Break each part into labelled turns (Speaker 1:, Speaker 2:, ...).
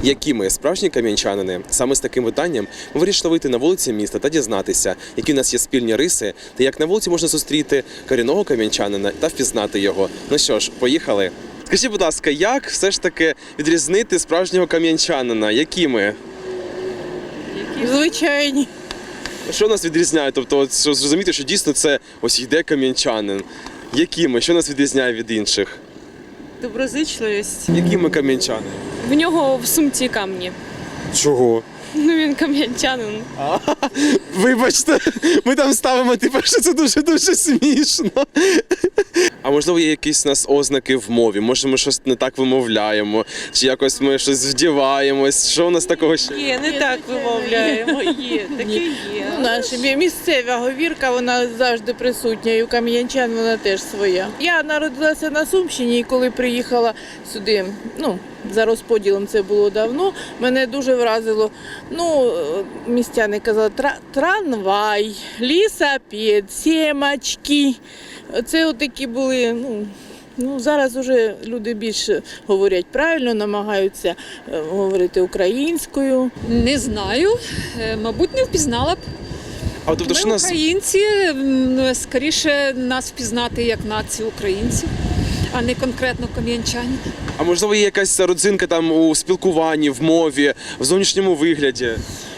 Speaker 1: Які ми справжні кам'янчанини? Саме з таким питанням ми вирішили вийти на вулиці міста та дізнатися, які в нас є спільні риси, та як на вулиці можна зустріти корінного кам'янчанина та впізнати його. Ну що ж, поїхали. Скажіть, будь ласка, як все ж таки відрізнити справжнього кам'янчанина? Які ми?
Speaker 2: Звичайні.
Speaker 1: Що нас відрізняє? Тобто, от, що зрозуміти, що дійсно це ось йде кам'янчанин. Які ми? Що нас відрізняє від інших?
Speaker 2: Доброзичливість.
Speaker 1: Які ми кам'янчани?
Speaker 3: В нього в сумці камні.
Speaker 1: Чого?
Speaker 3: Ну він кам'янчанин.
Speaker 1: Вибачте, ми там ставимо, що це дуже-дуже смішно. А можливо, є якісь у нас ознаки в мові? Може, ми щось не так вимовляємо, чи якось ми щось вдіваємось? Що у нас такого ще?
Speaker 2: Є, не так вимовляємо. Є, таке є. Наша місцева говірка, вона завжди присутня, і у кам'янчан вона теж своя. Я народилася на Сумщині, і коли приїхала сюди, за розподілом це було давно, мене дуже вразило. Містяни казали, трамвай, лісапед, сімочки. Це отакі були, зараз вже люди більше говорять правильно, намагаються говорити українською.
Speaker 4: Не знаю, мабуть, не впізнала б.
Speaker 1: А тобто, що
Speaker 4: Ми
Speaker 1: нас
Speaker 4: українці, скоріше нас впізнати як націю українців, а не конкретно кам'янчан.
Speaker 1: А можливо, є якась родзинка там у спілкуванні, в мові, в зовнішньому вигляді?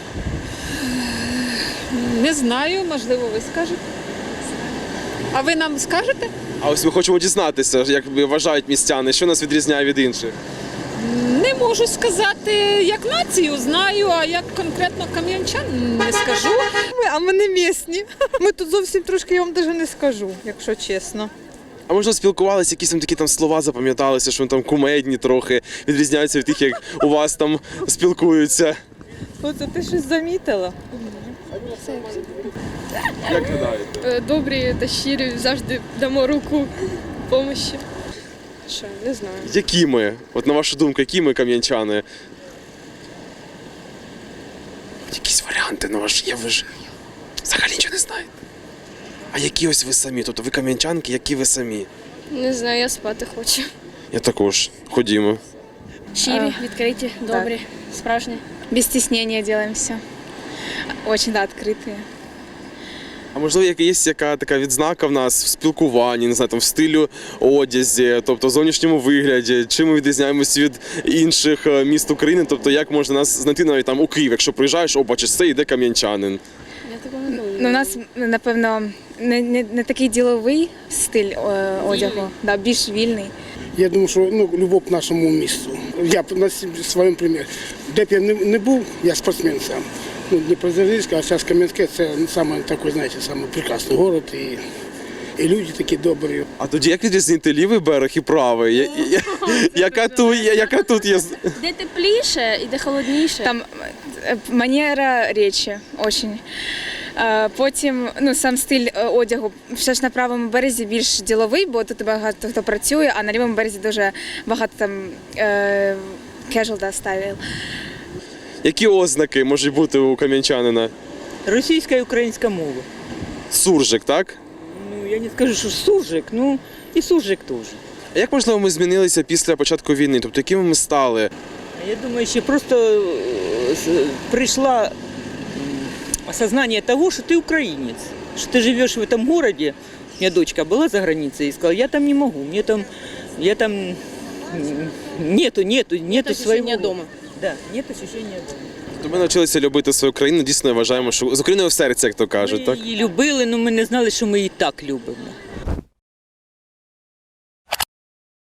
Speaker 4: Не знаю, можливо, ви скажете. А ви нам скажете?
Speaker 1: А ось ми хочемо дізнатися, як вважають містяни, що нас відрізняє від інших.
Speaker 4: Не можу сказати, як націю знаю, а як конкретно кам'янчан не скажу.
Speaker 5: А ми не місні. Ми тут зовсім трошки, я вам навіть не скажу, якщо чесно.
Speaker 1: А можливо, спілкувалися, якісь там такі там слова запам'яталися, що вони там кумедні трохи, відрізняються від тих, як у вас там спілкуються.
Speaker 5: Оце ти щось замітила?
Speaker 1: Як гадаєте?
Speaker 3: Добрі та щирі, завжди дамо руку допомоги. Що, не знаю.
Speaker 1: Які ми? От на вашу думку, які ми кам'янчани? Якісь варіанти на ваш є, ви ж взагалі нічого не знаєте. А які ось ви самі? Тобто ви кам'янчанки, які ви самі?
Speaker 3: Не знаю, я спати хочу.
Speaker 1: Я також. Ходімо.
Speaker 6: Щирі, відкриті, добрі, справжні. Без стеснения делаем все. Очень, открытые.
Speaker 1: А можливо, є яка така відзнака в нас в спілкуванні, не знаю, там в стилю одязі, тобто в зовнішньому вигляді, чим ми відрізняємося від інших міст України, тобто як можна нас знайти навіть там у Київ, якщо приїжджаєш, бачиш, це йде кам'янчанин.
Speaker 6: У нас, напевно, не такий діловий стиль одягу, більш вільний.
Speaker 7: Я думаю, що любов к нашому місту. Я на своєму примірі. Де б я не був, я спортсмен сам. Дніпродзержинськ, а зараз Кам'янське – це саме такий, знаєте, саме прекрасний город і люди такі добрі.
Speaker 1: А тоді як відрізнити лівий берег і правий? Яка тут є?
Speaker 6: Де тепліше і де холодніше. Там манера речі, дуже. Потім сам стиль одягу. Все ж на правому березі більш діловий, бо тут багато хто працює, а на лівому березі дуже багато там casual стайл.
Speaker 1: Які ознаки можуть бути у кам'янчанина?
Speaker 2: Російська і українська мова.
Speaker 1: Суржик, так?
Speaker 2: Я не скажу, що суржик, і суржик теж.
Speaker 1: А як, можливо, ми змінилися після початку війни? Тобто, якими ми стали?
Speaker 2: Я думаю, що просто прийшло осознание того, что ты украинец, что ты живешь в этом городе. У меня дочка была за границей и сказала, я там не могу, я там нету своего дома. Да, нет ощущения дома.
Speaker 1: Тобто ми навчилися любити свою країну, дійсно вважаємо, що з Україною в серці, як то кажуть, так?
Speaker 2: Ми її любили, але ми не знали, що ми її так любимо.